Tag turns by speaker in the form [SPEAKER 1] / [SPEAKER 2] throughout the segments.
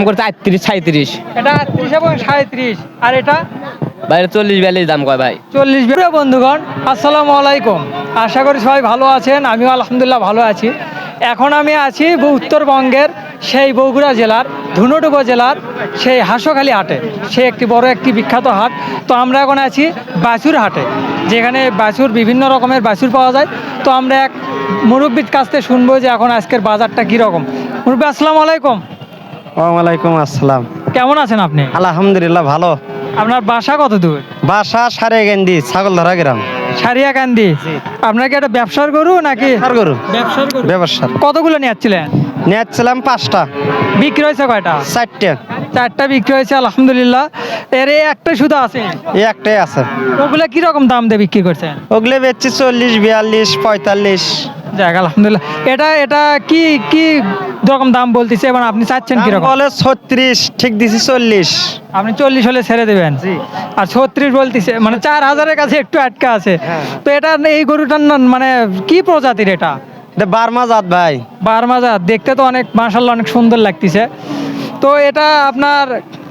[SPEAKER 1] করছে 38-37।
[SPEAKER 2] এটা 38 এবং 37। আর এটা
[SPEAKER 1] বাইরে 40-42 দাম কয় ভাই।
[SPEAKER 2] 40। বন্ধুগণ আসসালামু আলাইকুম, আশা করি সবাই ভালো আছেন। আমিও আলহামদুলিল্লাহ ভালো আছি। এখন আমি আছি উত্তরবঙ্গের সেই বগুড়া জেলার ধুনট উপজেলার সেই হাঁসখালি হাটে। সে একটি বড় একটি বিখ্যাত হাট। তো আমরা এখন আছি বাছুর হাটে, যেখানে বাছুর বিভিন্ন রকমের বাছুর পাওয়া যায়। তো আমরা এক মুরব্বির কাছ থেকে শুনবো যে এখন আজকের বাজারটা কীরকম। মুরব্বি আসসালামু আলাইকুম।
[SPEAKER 3] ওয়ালাইকুম আসসালাম।
[SPEAKER 2] কেমন আছেন আপনি?
[SPEAKER 3] আলহামদুলিল্লাহ ভালো।
[SPEAKER 2] আপনার বাসা কত দূর?
[SPEAKER 3] বাসা সারেগেন্দি, ছাগলধরা গ্রাম।
[SPEAKER 2] সারিয়াকান্দি। আপনার কি একটা ব্যবসার গরু নাকি?
[SPEAKER 3] গরু
[SPEAKER 2] ব্যবসার গরু।
[SPEAKER 3] ব্যবসার।
[SPEAKER 2] কতগুলো নিয়েছিলেন?
[SPEAKER 3] নিয়েছিলাম 5টা।
[SPEAKER 2] বিক্রি হয়েছে কয়টা?
[SPEAKER 3] 4টে।
[SPEAKER 2] 4টা বিক্রি হয়েছে আলহামদুলিল্লাহ। এর এই একটা শুধু আছে?
[SPEAKER 3] এই একটাই আছে।
[SPEAKER 2] ওগুলা কি রকম দাম দিয়ে বিক্রি করছেন?
[SPEAKER 3] ওগুলো বেচছি 40, 42, 45।
[SPEAKER 2] যাক আলহামদুলিল্লাহ। এটা এটা কি কি রকম দাম বলতেছে এবং আপনি চাচ্ছেন কি রকম?
[SPEAKER 3] বলে 36, ঠিক দিছি 40।
[SPEAKER 2] আপনি 40 হলে ছেড়ে দেবেন। আর 36 বলতেছে, মানে 4000-এর কাছে একটু আটকা আছে। তো এটা এই গরুটার মানে কি প্রজাতির এটা?
[SPEAKER 3] এটা বার্মা জাত ভাই।
[SPEAKER 2] বার্মা জাত। দেখতে তো অনেক মাশাআল্লাহ অনেক সুন্দর লাগতেছে। তো এটা আপনার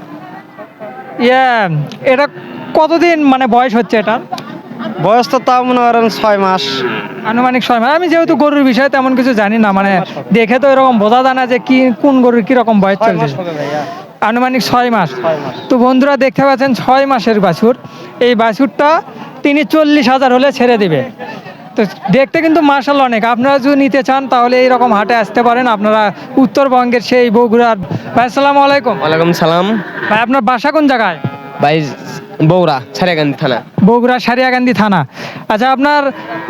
[SPEAKER 2] এটা কতদিন মানে বয়স হচ্ছে এটা?
[SPEAKER 3] বয়স তো তাও মনে করেন 6 মাস।
[SPEAKER 2] আনুমানিক 6 মাস। আমি যেহেতু গরুর বিষয়ে তেমন কিছু জানি না, মানে দেখে তো এরকম বোঝা যায় না যে কি কোন গরুর কিরকম বয়স চলছে। আনুমানিক 6 মাস। তো বন্ধুরা দেখতে পাচ্ছেন 6 মাসের বাছুর। এই বাছুরটা তিনি 40,000 হলে ছেড়ে দিবে। তো দেখতে কিন্তু মাশাআল্লাহ অনেক। আপনারা যদি নিতে চান তাহলে এইরকম হাটে আসতে পারেন। আপনারা উত্তরবঙ্গের সেই বগুড়ার। ভাই আসসালামু আলাইকুম।
[SPEAKER 1] ওয়ালাইকুম সালাম।
[SPEAKER 2] ভাই আপনার বাসা কোন জায়গায়?
[SPEAKER 1] ভাই বগুড়া সারিয়াকান্দি থানা।
[SPEAKER 2] বগুড়া সারিয়াকান্দি থানা। আচ্ছা, আপনার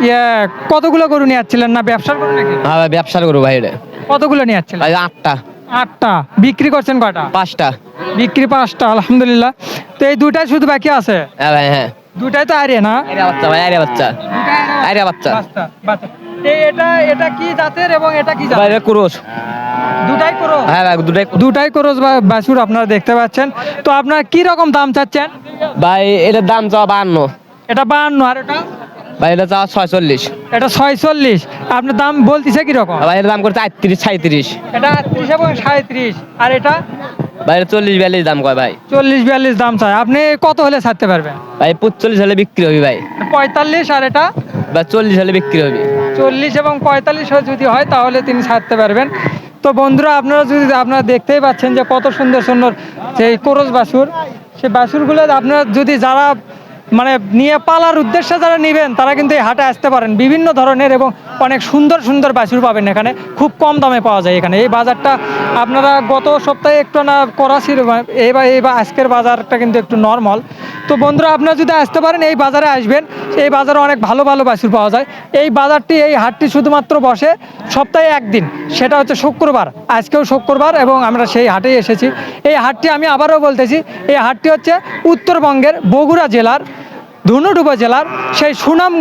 [SPEAKER 2] কতগুলো গরু নিয়ে যাচ্ছিলেন? না ব্যবসার গরু নাকি?
[SPEAKER 1] হ্যাঁ ভাই ব্যবসার গরু ভাই। এটা
[SPEAKER 2] কতগুলো নিয়ে যাচ্ছিলেন?
[SPEAKER 1] ভাই 8টা।
[SPEAKER 2] 8টা। বিক্রি করছেন কয়টা?
[SPEAKER 1] 5টা।
[SPEAKER 2] বিক্রি 5টা আলহামদুলিল্লাহ। তো এই দুটাই শুধু বাকি আছে?
[SPEAKER 1] হ্যাঁ ভাই হ্যাঁ।
[SPEAKER 2] দুটাই তো আরে না?
[SPEAKER 1] আরে বাচ্চা ভাই, আরে বাচ্চা। আরে বাচ্চা।
[SPEAKER 2] বাচ্চা। এটা এটা কি জাতের এবং এটা কি
[SPEAKER 1] ভাই
[SPEAKER 2] জাতের?
[SPEAKER 1] ক্রস।
[SPEAKER 2] দুটাই ক্রস?
[SPEAKER 1] হ্যাঁ ভাই
[SPEAKER 2] দুটাই ক্রস বাছুর আপনারা দেখতে পাচ্ছেন। তো আপনারা কি রকম দাম চাচ্ছেন?
[SPEAKER 1] ভাই এটার দাম চাওয়া 52।
[SPEAKER 2] এটা 52। আর এটা?
[SPEAKER 1] ভাই এটা চাওয়া 46।
[SPEAKER 2] এটা 46। আপনার দাম বলতেছে কি রকম?
[SPEAKER 1] ভাই এর দাম করছে 38-37।
[SPEAKER 2] এটা 38 এবং 37। আর এটা?
[SPEAKER 1] ভাই 40-42 দাম কয় ভাই।
[SPEAKER 2] 40-42 দাম চাই। আপনি কত হলে ছাড়তে পারবেন?
[SPEAKER 1] ভাই 45 হলে বিক্রি হবে ভাই।
[SPEAKER 2] 45। আর এটা?
[SPEAKER 1] ভাই 40 হলে বিক্রি হবে।
[SPEAKER 2] 40 এবং 45 যদি হয় তাহলে তিনি ছাড়তে পারবেন। তো বন্ধুরা আপনারা দেখতেই পাচ্ছেন যে কত সুন্দর সুন্দর সেই কোরস বাছুর। সেই বাছুরগুলো আপনারা যদি যারা মানে নিয়ে পালার উদ্দেশ্যে যারা নেবেন তারা কিন্তু এই হাটে আসতে পারেন। বিভিন্ন ধরনের এবং অনেক সুন্দর সুন্দর বাছুর পাবেন এখানে। খুব কম দামে পাওয়া যায় এখানে। এই বাজারটা আপনারা গত সপ্তাহে একটু না করাচির, এইবার আজকের বাজারটা কিন্তু একটু নর্মাল। তো বন্ধুরা আপনারা যদি আসতে পারেন এই বাজারে আসবেন। এই বাজারে অনেক ভালো ভালো বাছুর পাওয়া যায়। এই হাটটি শুধুমাত্র বসে সপ্তাহে একদিন, সেটা হচ্ছে শুক্রবার। আজকেও শুক্রবার এবং আমরা সেই হাটেই এসেছি। এই হাটটি আমি আবারও বলতেছি, এই হাটটি হচ্ছে উত্তরবঙ্গের বগুড়া জেলার ধুনট উপজেলার সেই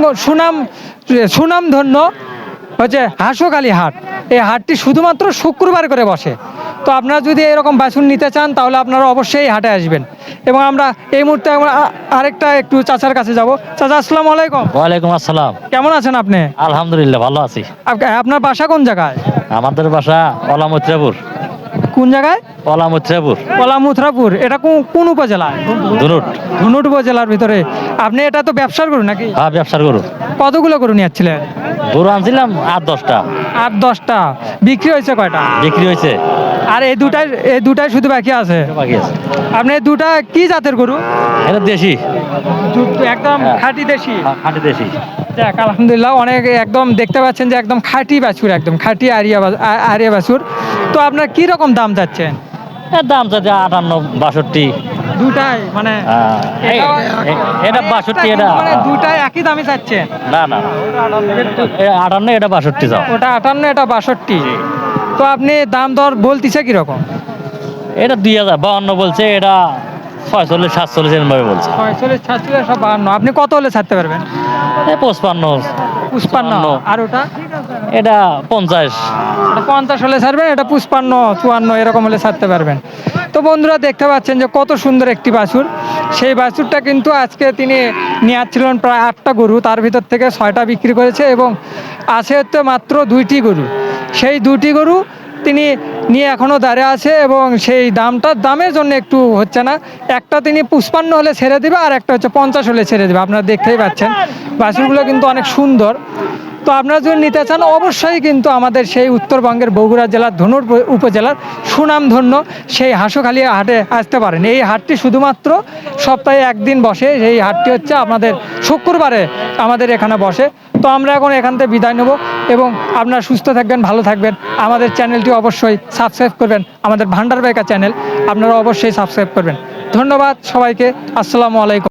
[SPEAKER 2] সুনামধন্য হচ্ছে হাঁসখালি হাট। এই হাটটি শুধুমাত্র শুক্রবার করে বসে। তো আপনারা যদি এরকম বাছুর নিতে চান তাহলে আপনারা অবশ্যই এই হাটে আসবেন। এবং আমরা এই মুহূর্তে আরেকটা একটু চাচার কাছে যাব। চাচা আসসালামু আলাইকুম।
[SPEAKER 4] ওয়ালাইকুম আসসালাম।
[SPEAKER 2] কেমন আছেন আপনি?
[SPEAKER 4] আলহামদুলিল্লাহ ভালো আছি।
[SPEAKER 2] আপনার বাসা কোন জায়গায়?
[SPEAKER 4] আমাদের বাসা অলামুত্রাপুর।
[SPEAKER 2] কোন জায়গায়?
[SPEAKER 4] অলামুত্রাপুর।
[SPEAKER 2] কলামুথরাপুর। এটা কোন উপজেলায়?
[SPEAKER 4] ধুনুট।
[SPEAKER 2] ধুনট উপজেলার ভিতরে। আপনি এটা তো ব্যবসার গরু নাকি?
[SPEAKER 4] হ্যাঁ ব্যবসার গরু।
[SPEAKER 2] কতগুলো গরু নিয়ে যাচ্ছিলেন?
[SPEAKER 4] গরু আনছিলাম 8-10টা।
[SPEAKER 2] 8-10টা। বিক্রি হয়েছে কয়টা?
[SPEAKER 4] বিক্রি হয়েছে।
[SPEAKER 2] আর এই দুটাই শুধু বাকি আছে?
[SPEAKER 4] বাকি আছে।
[SPEAKER 2] আপনি এই দুটা কি জাতের গরু?
[SPEAKER 4] এটা দেশি।
[SPEAKER 2] একদম খাঁটি দেশি?
[SPEAKER 4] খাঁটি দেশি।
[SPEAKER 2] যাক আলহামদুলিল্লাহ। অনেক একদম দেখতে পাচ্ছেন যে একদম খাঁটি বাছুর, একদম খাঁটি আরিয়া বাছুর। তো আপনার কি রকম দাম চাচ্ছেন?
[SPEAKER 4] এর দাম চাচ্ছে 58-62।
[SPEAKER 2] দুটাই মানে
[SPEAKER 4] এটা 62, এটা
[SPEAKER 2] মানে দুটাই একই দামে চাচ্ছেন?
[SPEAKER 4] না না, এটা 58, এটা 62 চাও।
[SPEAKER 2] ওটা 58, এটা 62। তো আপনি দাম দর বলতেছে কিরকম?
[SPEAKER 4] এটা 2052 বলছে, এটা 46-47 এরকম ভাবে বলছে।
[SPEAKER 2] 46-47-52। আপনি কত হলে ছাড়তে পারবেন?
[SPEAKER 4] 55।
[SPEAKER 2] 55। আর ওটা?
[SPEAKER 4] এটা 50।
[SPEAKER 2] ওটা 50 হলে ছাড়বেন, এটা 55-54 এরকম হলে ছাড়তে পারবেন। তো বন্ধুরা দেখতে পাচ্ছেন যে কত সুন্দর একটি বাছুর। সেই বাছুরটা কিন্তু আজকে তিনি নিয়ে আসছিলেন প্রায় 8টা গরু, তার ভিতর থেকে 6টা বিক্রি করেছে এবং আছে হচ্ছে মাত্র 2টি গরু। সেই 2টি গরু তিনি নিয়ে এখনও দাঁড়িয়ে আছে এবং সেই দামের জন্য একটু হচ্ছে না। একটা তিনি 55 হলে ছেড়ে দেবে, আর একটা হচ্ছে 50 হলে ছেড়ে দেবে। আপনারা দেখতেই পাচ্ছেন বাছুরগুলো কিন্তু অনেক সুন্দর। তো আপনারা যদি নিতে চান অবশ্যই কিন্তু আমাদের সেই উত্তরবঙ্গের বগুড়া জেলার ধনুর উপজেলার সুনামধন্য সেই হাঁসখালি হাটে আসতে পারেন। এই হাটটি শুধুমাত্র সপ্তাহে একদিন বসে। এই হাটটি হচ্ছে আপনাদের শুক্রবারে আমাদের এখানে বসে। তো আমরা এখন এখান থেকে বিদায় নেব এবং আপনারা সুস্থ থাকবেন, ভালো থাকবেন। আমাদের চ্যানেলটি অবশ্যই সাবস্ক্রাইব করবেন, আমাদের ভান্ডার বাইকা চ্যানেল আপনারা অবশ্যই সাবস্ক্রাইব করবেন। ধন্যবাদ সবাইকে। আসসালামু আলাইকুম।